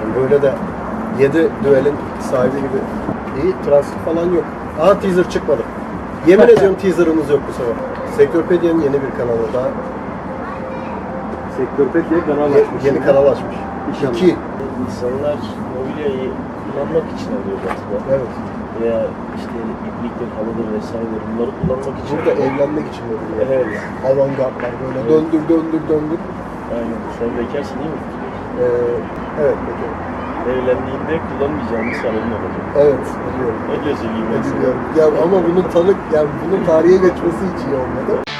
yani. Böyle de 7 düelin sahibi gibi. İyi, transit falan yok. Aha, teaser çıkmadı. Yemin ediyorum teaserımız yok bu sefer. Sektörpedia'nın yeni bir kanalı daha. Sektörpedia kanal açmış. Yeni kanal açmış. İnşallah. 2. İnsanlar mobilyayı kullanmak için alıyor aslında. Evet. Veya işte ipliktir, halıdır vesaire bunları kullanmak için. Burada evlenmek için oluyor. Evet. Avantgardlar böyle Evet. döndür. Aynen. Sen bekarsın değil mi? Evet, peki. Evlendiğinde kullanmayacağın bir salonun olacak. Evet, biliyorum. Ne diyorsun gibi? Biliyorum. Ya ama bunun tarihe geçmesi hiç iyi olmadı.